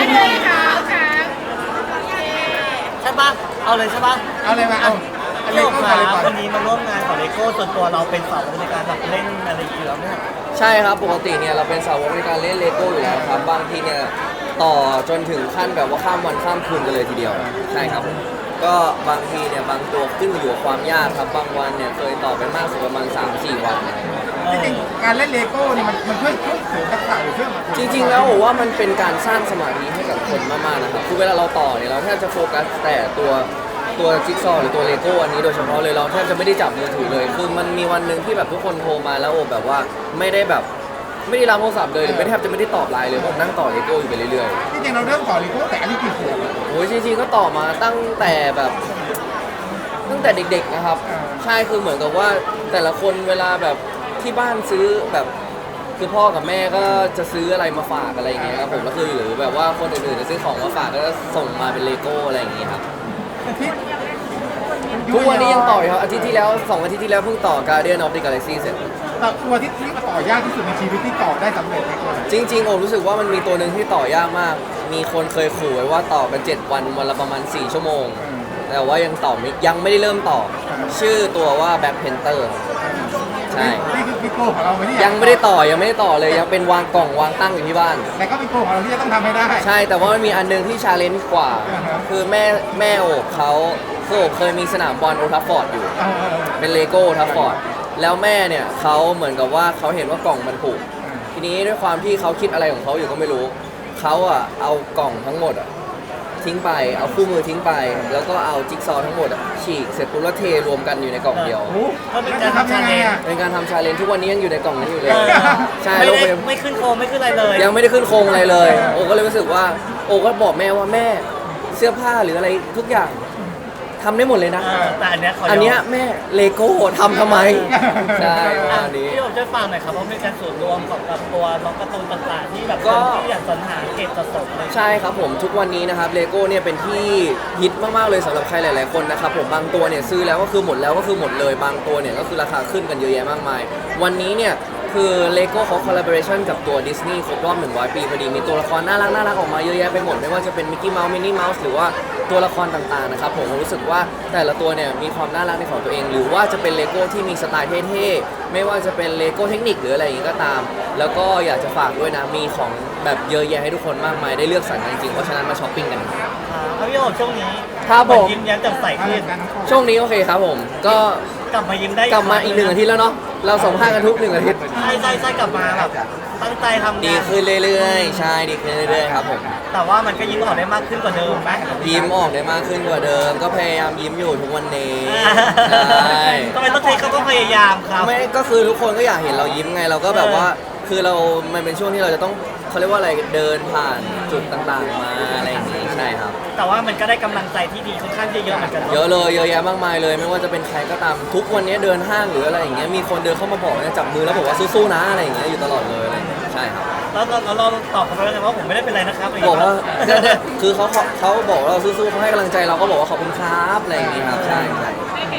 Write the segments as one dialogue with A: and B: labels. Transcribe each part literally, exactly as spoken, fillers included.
A: เลยครับครับใช่ปะเอาเลยใช่ปะ
B: เอาเลยมาเอาเอาเล
A: พี่
B: ย
A: โอ๋
B: ก็
A: ค
B: มา
A: รั
B: เลย
A: บ
B: ก่อน
A: วันนี้มาร่วมงานของเลโก้ส่วนตัวเราเป็นสาวในการแบบเล่นอะไรอย่างเงี้ยแล้วเนี่ย
C: ใช่ครับปกติเนี่ยเราเป็นสาวกในการเล่นเลโก้อยู่แล้วครับบางทีเนี่ยต่อจนถึงขั้นแบบว่าข้ามวันข้ามคืนกันเลยทีเดียวใช่ครับผมก็บางทีเนี่ยบางตัวขึ้นอยู่กับความยากครับบางวันเนี่ยเคยต่อไปมากสุดประมาณ สามถึงสี่ วัน
B: จริงๆการเล่นเลโก้เนี่ยมันมันช่วยช่วยเสริมทักษะหรือช่วย
C: จริงๆแล้วผมว่ามันเป็นการสร้างสมาธิให้กับคนมากๆนะครับคือเวลาเราต่อเนี่ยเราแทบจะโฟกัสแต่ตัวตัวจิ๊กซอว์หรือตัวเลโก้อันนี้โดยเฉพาะเลยเราแทบจะไม่ได้จับมือถือเลยคือมันมีวันหนึ่งที่แบบทุกคนโทรมาแล้วโอ้แบบว่าไม่ได้แบบไม่ได้รับโทรศัพท์เลยหรือไม่แทบจะไม่ได้ตอบไลน์เลยผมนั่งต่อเลโก้อยู่ไปเรื่อยๆ
B: จริงๆเราเริ่มต่อเลโก้แต่อันนี้กี่ขวบ
C: โอ้ยจริงๆก็ต่อมาตั้งแต่แบบตั้งแต่เด็กๆนะครับใช่คือเหมือนกับว่าแต่ละคนเวลาแบบที่บ้านซื้อแบบคือพ่อกับแม่ก็จะซื้ออะไรมาฝากอะไรอย่างเงี้ยครับผมแล้วคือหรือแบบว่าคนอื่นๆจะซื้อของมาฝากก็จะส่งมาเป็นเลโก้อะไรอย่างเงี้ยครับทุกวันนี้ยังต่ออยู่ครับอาทิตย์ที่แล้วสองอาทิตย์ที่แล้วเพิ่งต่อ Guardian of the Galaxy เสร็จ
B: ต่อตัวที่ที่ต่อยากที่สุดในชีวิตที่ต่อได้สำเร็จในตัว
C: จริงๆผมรู้สึกว่ามันมีตัวหนึ่งที่ต่อยากมากมีคนเคยขู่ไว้ว่าต่อกันเจ็ดวันวันละประมาณสี่ชั่วโมงแต่ว่ายังต่อไม่ยังไม่ได้เริ่มต่อชื่อตัวว่า Black Panther ใช่
B: นี่คือพี่โก้ของเราไม่ได้
C: ยังไม่ได้ต่อยังไม่ได้ต่อเลยยังเป็นวางกล่องวางตั้งอยู่ที่บ้าน
B: แต่ก็เป็นโก้ของเราที่จะต้องทำให้ได้
C: ใช่แต่ว่ามันมีอันหนึงที่ชาเลนจ์กว่า
B: อ่าฮะ
C: คือแม่แม่โอบเขาคือโอบเคยมีสนามบอลโอทัฟฟอร์ดอยู่
B: เออเออ
C: เป็นเลโก้โอทัฟฟอร์ดแล้วแม่เนี่ยเขาเหมือนกับว่าเขาเห็นว่ากล่องมันผุทีนี้ด้วยความที่เขาคิดอะไรของเขาอยู่ก็ไม่รู้เขาอ่ะเอากล่องทั้งหมดอ่ะทิ้งไปเอาคู่มือทิ้งไป แล้วก็เอาจิ๊กซอว์ทั้งหมดอ่ะฉีกเสร็จปุ๊บแล้วเทรวมกันอยู่ในกล่องเดียว
B: โอ้
A: ก็เป็นการ
B: ทำ
A: ทำ
B: ยั
A: ชาง
B: ไง
A: เลน
B: อ่ะ
C: เป็นการทำชาเลนจ์ทุกวันนี้ยังอยู่ในกล่องนั้นอยู่เลย
A: เออ
C: ใช่
A: ไม่
C: โลก
A: ได้
C: ยัง
A: ไม่ขึ้นโคมไม่ขึ้นอะไรเลย
C: ยังไม่ได้ขึ้นโครงอะไรเลย โอก็เลยรู้สึกว่า โอก็บอกแม่ว่าแม่เสื้อผ้าหรืออะไรทุกอย่างทำได้หมดเลยนะ
A: เออแต่อันเนี้ยขยม
C: อันเนี้ยแม่เลโก้ทำทำไม ใช่ประ
A: อ่ะ
C: มาณนี้
A: พี่โอ๋ช่วยฟังหน่อยครับเพราะเป็นการส่วนรวมของแบบตัวน้องการ์ตูนต่างๆที่แบบ
C: ก็
A: คนที่อยากสรรหาเก็บสะสมเลย
C: ใช่ครับผมทุกวันนี้นะครับเลโก้เนี่ยเป็นที่ฮิตมากๆเลยสำหรับใครหลายๆคนนะครับผมบางตัวเนี่ยซื้อแล้วก็คือหมดแล้วก็คือหมดเลยบางตัวเนี่ยก็คือราคาขึ้นกันเยอะแยะมากมาย วันนี้เนี่ยคือเลโก้เขาคอลลาบอร์เรชันกับตัวดิสนีย์ครบรอบหนึ่งร้อยปีพอดีมีตัวละครน่ารักน่ารักออกมาเยอะแยะไปหมดไม่ว่าจะเป็นมิกกี้เมาส์มินนี่เมาส์หรือว่าตัวละครต่างๆนะครับผมรู้สึกว่าแต่ละตัวเนี่ยมีความน่ารักในของตัวเอง หรือว่าจะเป็นเลโก้ที่มีสไตล์เท่ๆไม่ว่าจะเป็นเลโก้เทคนิคหรืออะไรอย่างนี้ก็ตาม แล้วก็อยากจะฝากด้วยนะมีของแบบเยอะแยะให้ทุกคนมากมายได้เลือกสรรกันจริงๆเพราะฉะนั้นมาช้อปปิ้งกัน
A: อ่าครับพี่โอ๋ช่วงนี้
C: ครับผม
A: เหอนยิ้มแย้มแจ่มใสขึ้น
C: ช่วงนี้โอเคครับผมก็
A: กลับมายิ้มได้
C: กลับมาอีกหนึ่งอาทิตย์แล้วเนาะเราสัมภาษณ์กันทุกหนึ่งอาทิตย์
A: ใช่ใช่ใช่กลับมาแบบตั้งใจทำ
C: ดี
A: งาน
C: ขึ้นเรื่อยๆ ใช่ดีขึ้นเรื่อยๆครับผม
A: แต่ว่ามันก็ยิ้มออกได้มากขึ้นกว่าเดิมไหม
C: ยิ้มออกได้มากขึ้นกว่าเดิม ก็พยายามยิ้มอยู่ทุกวันนี้ใช่
A: ทำไมต้องใช้เขาก็พยายามครับ
C: ไม่ก็คือทุกคนก็อยากเห็นเรายิ้มไงเราก็แบบว่าคือเรา มันเป็นช่วงที่เราจะต้องเขาเรียกว่าอะไรเดินผ่านจุดต่างๆมาอะไรอย่างงี้ใช่ครับ
A: แต่ว่ามันก็ได้กำลังใจที่ดีค่อนข้างเยอะๆเหมือนกัน
C: เยอะเลยเยอะแยะมากมายเลย ไม่ว่าจะเป็นใครก็ตามทุกวันนี้เดินห้างหรืออะไรอย่างเงี้ยมีคนเดินเข้ามาบอกเนี่ยจับมือแล้วบอกว่าสู้ๆนะอะไรอย่างเงี้ยอยู่ตลอดเลยอะไรอย่างเงี้ยใช่ครับ
A: แล้วเราเราตอบเขาไปแล้วไงว่าผมไม่ได้เป็นไรนะครับะไรย่ง
C: บอก
A: เงี้ย
C: ว่าเนี่ยเนี่ยคือเขาเขาเขาบอกว่าเราสู้ๆเขาให้กำลังใจเราก็บอกว่าขอบคุณครับอะไรอย่างเงี้ยครับใช่ใช่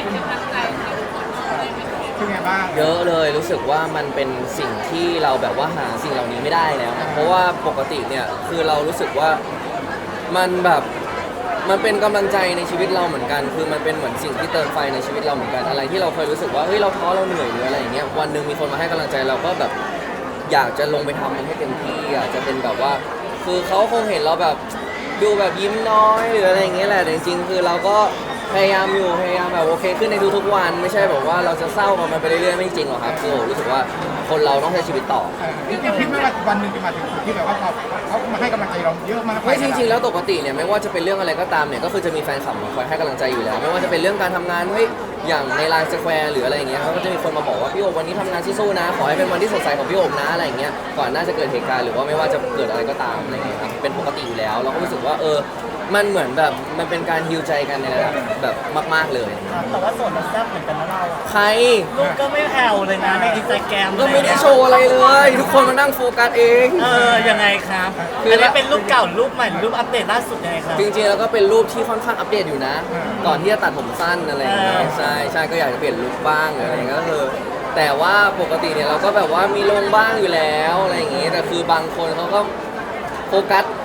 B: เป็นไงบ้าง
C: เยอะเลยรู้สึกว่ามันเป็นสิ่งที่เราแบบว่าหาสิ่งเหล่านี้ไม่ได้แล้ว เพราะว่าปกติเนี่ยคือเรารู้สึกว่ามันแบบมันเป็นกำลังใจในชีวิตเราเหมือนกัน คือมันเป็นเหมือนสิ่งที่เติมไฟในชีวิตเราเหมือนกันอะไรที่เราเคยรู้สึกว่าเฮ้ยเราท้อเราเหนื่อยหรืออะไรอย่างเงี้ยวันหนึ่งมีคนมาให้กำลังใจเราก็แบบอยากจะลงไปทำมันให้เต็มที่อยากจะเป็นแบบว่า คือเขาคงเห็นเราแบบดูแบบยิ้มน้อยหรืออะไรอย่างเงี้ยแหละแต่จริงๆคือเราก็พยายามอยู่พยายามแบบโอเคขึ้นในทุกๆวันไม่ใช่แบบว่าเราจะเศร้ากับมันไปเรื่อยๆไม่จริงหรอกครับคือผมรู้สึกว่าคนเราต้องใช้ชีวิตต่อ
B: เออจริงๆคิดไหมว่าวันหนึ่งจะมาถึงจุดที่แบบว่าเขาเขามาให้กำลังใจเราเยอะมาก
C: ไม่จริงๆแล้วปกติเนี่ยไม่ว่าจะเป็นเรื่องอะไรก็ตามเนี่ยก็คือจะมีแฟนคลับมาคอยให้กำลังใจอยู่แล้ว ไม่ว่าจะเป็นเรื่องการทำงานเฮ้ยอย่างในไลน์สแควร์หรืออะไรอย่างเงี้ยเขาก็จะมีคนมาบอกว่าพี่โอบวันนี้ทำงานสู้ๆนะขอให้เป็นวันที่สดใสของพี่โอบนะอะไรอย่างเงี้ยก่อนหน้าจะเกิดเหตุการณ์หรือว่าไม่ว่าจะเกิดอะไรก็ตามอะไรอย่างเงี้ยครับเป็นปกติอยู่แล้ว เราก็รู้สึกว่าเออมันเหมือนแบบมันเป็นการฮีลใจกันในระดับแบบมากๆเลย
A: แต่ว่าโสดมันแซ่บเหมือนกันนะเราอะ
C: ใคร
A: ลูกก็ไม่แผ่วเลยนะในอินสตาแกรม
C: ก็ไม่ได้โชว์อะไรเลย ทุกคนมานั่งโฟกัสเอง
A: เออยังไงครับ
C: คืออั
A: อันนี้เป็นรูปเก่ารูปใหม่รูปอัปเดตล่าสุดยังไงครับ
C: จริงๆแล้วก็เป็นรูปที่ค่อนข้างอัปเดตอยู่นะ ก่อนที่จะตัดผมสั้นอะไรอย่างเงี้ย
A: อ่า
C: ใช่ใช่ก็อยากจะเปลี่ยนลุคบ้างอะไรอย่างเงี้ยก็คือแต่ว่าปกติเนี่ยเราก็แบบว่ามีลงบ้างอยู่แล้วอะไรอย่างเงี้ยแต่คือบางคนเขาก็โฟกัส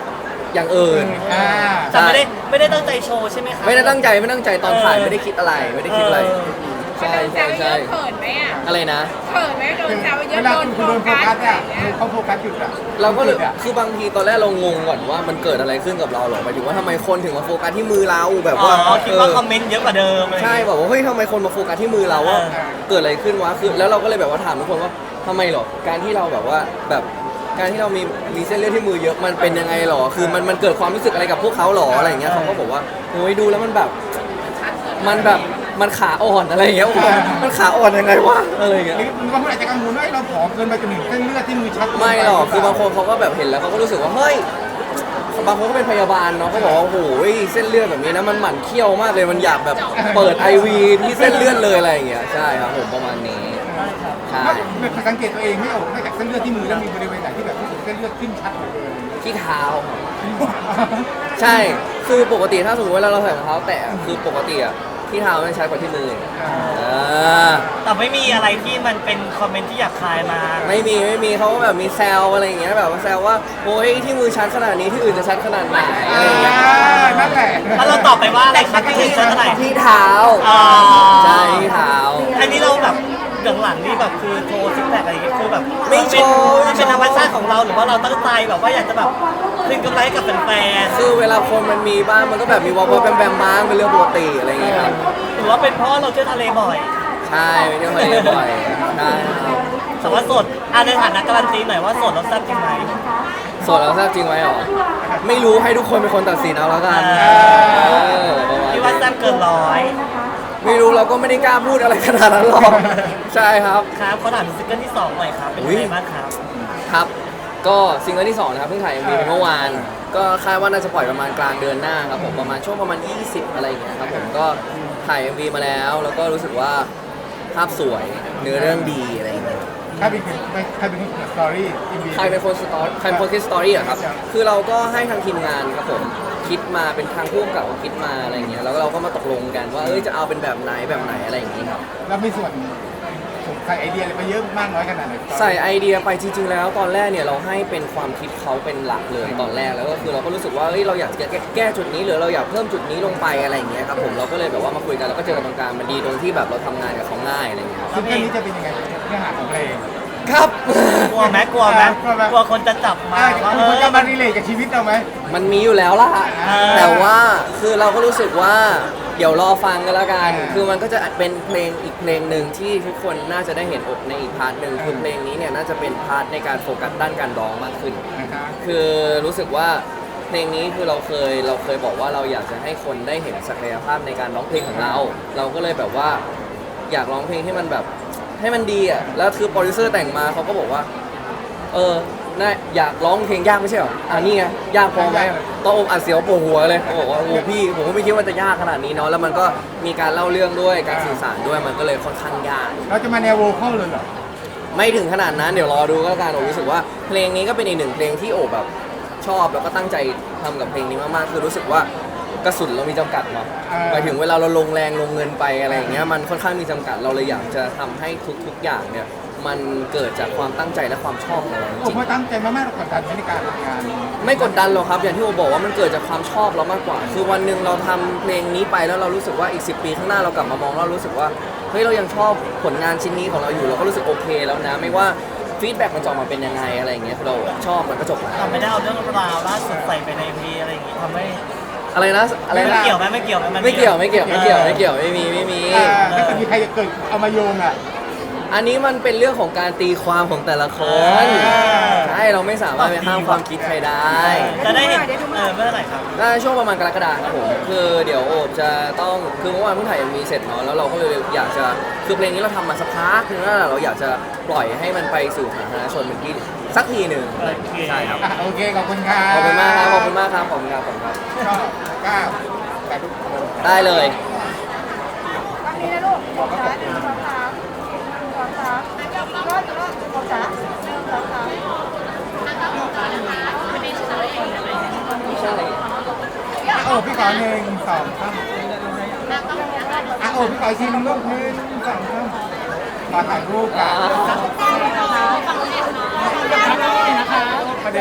C: อย่างอื่น
B: อ่า
A: แต่ไม่ได้ไม่ได้ตั้งใจโชว์ใช่ไหมคะ
C: ไม่ได้ตั้งใจไม่ตั้งใจตอนถ่ายไม่ได้คิดอะไรไม่ได้คิดอะไร ใช่
D: โดนแซ
C: ใช่
D: วเย
C: ใช่
D: อะเขินไหมอ่ะ
C: อะไรนะ
D: เขินไหมโดนแซวเย
B: เว
D: อะ
B: ลา
D: โดน
B: คุณ
D: โฟ
B: โดนโฟ
D: กัส
B: กัส
D: อะไร
B: เนี่ย
D: อย่างเงี้ย
B: เขาโฟกัสหยุดอ่ะ
C: เราก็เลยคือบางทีตอนแรกเรางงก่อนว่ามันเกิดอะไรขึ้นกับเราหรอหมายถึงว่าทำไมคนถึงมาโฟกัสที่มือเราแบบ
A: อ๋
C: ว่า
A: อคิดว่า
C: เออ
A: คอมเมนต์เยอะกว่าเดิมอะไรอย่าง
C: ใช่
A: เงี้ย
C: แบบว่าเฮ้ยทำไมคนมาโฟกัสที่มือเราว่า
A: เออ
C: เกิดอะไรขึ้นวะคือแล้วเราก็เลยแบบว่าถามทุกคนว่าทำไมหรอการที่เราแบบว่าแบบการที่เรามีมีเส้นเลือดที่มือเยอะมันเป็นยังไงหรอคือมันมันเกิดความรู้สึกอะไรกับพวกเขาหรออะไรอย่างเงี้ยเขาก็บอกว่าโอ้ยดูแล้วมันแบบมันแบบมันขาอ่อนอะไรอย่างเงี้ยโอ้โหมันขาอ่อนยังไงวะอะไรอย่างเงี้ย
B: หรือบางคนอาจจะกังวลว่าเราผอมเกินไปจนถึงเส้นเลือดที่มือชัดเนป
C: ไม่หรอกคือบางคนเขาก็แบบเห็นแล้วเขาก็รู้สึกว่าเฮ้ยบางคนก็เป็นพยาบาลเนาะเขาบอกว่าโอ้โหเส้นเลือดแบบนี้นะมันหมั่นเคี้ยวมากเลยมันอยากแบบเปิด ไอ วี ที่เส้นเลือดเลยอะไรอย่างเงี้ยใช่ครับผมประมาณนี้ใช่
B: ไม่สังเกตตัวเองไม่ออกนอกจากเส้นเลือดที่มือแล้วมีบริเวณไหนที่แบบรู้สึกเส้นเลือดขึ้นชัดเหลือเกิน
C: ที่เท้าใช่คือปกติถ้าสมมติเวลาเราใส่รองเท้าแตะคือปกติอะที่เท้ามันใช้กว่าที่มืออ่า
A: แต่ไม่มีอะไรที่มันเป็นคอมเมนต์ที่หยาบคายมา
C: ไม่มีไม่มีเขาก็แบบมีแซวอะไรอย่างเงี้ยแบบว่าแซวว่าโอ้ยที่มือชัดขนาดนี้ที่อื่นจะชัดขนาดไหนอะไรอย่างเงี้ย
B: นั่นแหละ
A: แล้วเราตอบไปว่าอะไรครับที่เห็นชัดเท่าไหร่
C: ที่เท้า
A: อ๋อ
C: ใช่ที่เท้า
A: อันนี้เราแบบหลังๆนี่แบบคือโชว์ซิกแพคอะไรอย่างเงี้ยคือแบบ
C: ไม่โชว์
A: มันเป็นธรรมชาติของเราหรือว่าเราตั้งใจแบบว่าอยากจะแบบคืนกำไรให้กับแฟน
C: คือเวลาคนมันมีบ้างมันก็แบบมีวอลวอลแบมแบมบ้างเป็นเรื่องปกติอะไรอย่างเงี้ยครับ
A: ๆหรือว่าเป็นเพราะเราเที่ยวทะเลบ่อย
C: ใช่ไปเที่ยวทะเลบ่อยใช่ครับ
A: แต่ว่าสดอ่ะในฐานะการันตีหน่อยว่าสดเราแซ่บจริงไหม
C: โสดแล้วทราบจริงไหมหรอไม่รู้ให้ทุกคนเป็นคนตัดสินเอาแล้วกัน
A: อ่า
C: เออประมาณ
A: ที่ว่า
C: นี้
A: แซ่บเกินร้อย
C: ไม่รู้เราก็ไม่ได้กล้าพูดอะไรขนาดนั้นหรอกใช่ครับ
A: ครับเขาถามถึงซิงเกิลที่สองหน่อยครับเป็นยังไงบ้างครับ
C: ครับ ก็ซิงเกิลที่สองนะครับเพิ่งถ่าย เอ็ม วี ไปเมื่อวาน ก็คาดว่าน่าจะปล่อยประมาณกลางเดือนหน้าครับผมประมาณช่วงประมาณยี่สิบอะไรอย่างเงี้ยครับผมก็ถ่าย เอ็ม วี มาแล้ว แล้วก็รู้สึกว่าภาพสวยเนื้อเรื่องดีอะไรอย่างเงี้ย
B: ใครเป็นคนใครเป็นคนเขียนสตอรี่อินดี
C: ใครเป็นคนสตอรี่ใครเป็นคนคิดสตอรี่อะครับ คือเราก็ให้ทางทีมงานครับผมคิดมาเป็นทางผู้กำกับคิดมาอะไรอย่างเงี้ยแล้วเราก็มาตกลงกันว่าเอ้ยจะเอาเป็นแบบไหนแบบไหนอะไรอย่างงี้ครับ
B: แล้วมีส่วนผมใส่ไอเดียอะไรไปเยอะมากน้อยขนาดไหน
C: ใส่ไอเดียไปจริง ๆ แล้วตอนแรกเนี่ยเราให้เป็นความคิดเขาเป็นหลักเลยตอนแรกแล้วก็คือเราก็รู้สึกว่าเฮ้ยเราอยากจะแก้แก้จุดนี้หรือเราอยากเพิ่มจุดนี้ลงไปอะไรอย่างเงี้ยครับผมเราก็เลยแบบว่ามาคุยกันแล้วก็เจอกันตรงกลางมันดีตรงที่แบบเราทำงานกับเขาง่ายอะไรอย่างเงี้ยครับ
B: ซิงเกิลนี้จะเป็นยังไงเนื้อหาของเพลง
C: ครับ
A: กลัวไหมกลัวไหมกลัวคนจะจับมา
B: อ่า
A: ว่า
B: คุณจะมารีเลทกับชีวิตเราไหม
C: มันมีอยู่แล้วล่ะ
A: อ่า
C: แต่ว่าคือเราก็รู้สึกว่าเดี๋ยวรอฟังกันแล้วกัน
B: อ่า
C: คือมันก็จะเป็นเพลงอีกเพลงหนึ่งที่ทุกคนน่าจะได้เห็นอกในอีกพาร์ทหนึ่งคือเพลงนี้เนี่ยน่าจะเป็นพาร์ทในการโฟกัสด้านการร้องมากขึ้น
B: นะคะ
C: คือรู้สึกว่าเพลงนี้คือเราเคยเราเคยบอกว่าเราอยากจะให้คนได้เห็นศักยภาพในการร้องเพลงของเรา เราก็เลยแบบว่าอยากร้องเพลงให้มันแบบให้มันดีอ่ะแล้วคือโปรดิวเซอร์แต่งมาเขาก็บอกว่า เออน่าอยากร้องเพลงยากไม่ใช่เหรออ่านี่ไงยากพอไหมต้องอกอัดเสียวปวดหัวเลยเขาบอกว่าโอ้พี่ผมก็ไม่คิดว่าจะยากขนาดนี้เนาะแล้วมันก็มีการเล่าเรื่องด้วยการสื่อสารด้วยมันก็เลยค่อนข้างยาก
B: เราจะมาแนวโวคอลเลยเหรอ
C: ไม่ถึงขนาดนั้นเดี๋ยวรอดูก็แล้วกันโอรู้สึกว่าเพลงนี้ก็เป็นอีกหนึ่งเพลงที่โอบแบบชอบแล้วก็ตั้งใจทำกับเพลงนี้มากๆคือรู้สึกว่ากระสุนเรามีจำกัดเนาะหมายถึงเวลาเราลงแรงลงเงินไปอะไรอย่างเงี้ยมันค่อนข้างมีจำกัดเราเลยอยากจะทำให้ทุกๆอย่างเนี่ยมันเกิดจากความตั้งใจและความชอบของเราจ
B: ผม
C: ริง
B: ว่าตั้งใจมากๆเรากดดันในการทำงาน
C: ๆไม่กดดันหรอกครับอย่างที่โอบอกว่ามันเกิดจากความชอบเรามากกว่า คือวันหนึ่งเราทำเพลงนี้ไปแล้วเรารู้สึกว่าอีกสิบปีข้างหน้าเรากลับมามองแล้วเรารู้สึกว่าเฮ้ยเรายังชอบผลงานชิ้นนี้ของเราอยู่เราก็รู้สึกโอเคแล้วนะไม่ว่าฟีดแบ็กมันจะออกมาเป็นยังไงอะไรอย่างเงี้ยเราชอบมันก็จบแล้ว
A: เราไม่ได้เอาเรื่องราวล่าสุดใส่ไปในพีอะไรอย่างงี้ทำให้
C: อะไรนะอะไร
A: ไม่
C: นะ
A: เกี่ยวไหมไม่เกี่ยวไหมน
C: ไม่เกี่ยวไม่เกี่ยวไม่เกี่ยวไม่เกี่ยวไม่มีไม่มี
B: อ่าถ้าเกิดมีใครจะเกิดเอามาโยงอ่ะ
C: อันนี้มันเป็นเรื่องของการตีความของแต่ละคน
B: อ่า
C: ใช่เราไม่สามารถไปห้ามความคิดใครได้
A: จะได้เห็นเออเมื่อไหร่ครับ
C: น่าจะช่วงประมาณกรกฎาคมครับผมคือเดี๋ยวโอบจะต้องคือเมื่อวานเพิ่งถ่ายเอ็มวีเสร็จเนาะแล้วเราก็เลยอยากจะคือเพลงนี้เราทำมาสักพักนึงแล้วเราอยากจะปล่อยให้มันไปสู่สาธารณชนเป็นที่สักทีหนึ่ง
A: โอเค
C: ใช่ครับ
B: อ่ะโอเคขอบคุณครับ
C: ขอบคุณมากครับขอบคุณมากครับขอบคุณครับขอบคุณครับ
B: ก็ก้าวแต่ทุกคน
C: ได้เลย
D: วันนี้นะลูกขอบคุณหนึ่งสองสามหนึ่งสองสามรอดรอดขอบคุณหนึ่งสองสาม
C: ใช่
B: อ่ะโอ้พี่ขอหนึ่งสองสามอ่ะโอ้พี่ขออีกทีหนึงลูกหนึ่งสองสามขอถ่ายรูปกันประเด็น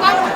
D: กล้อง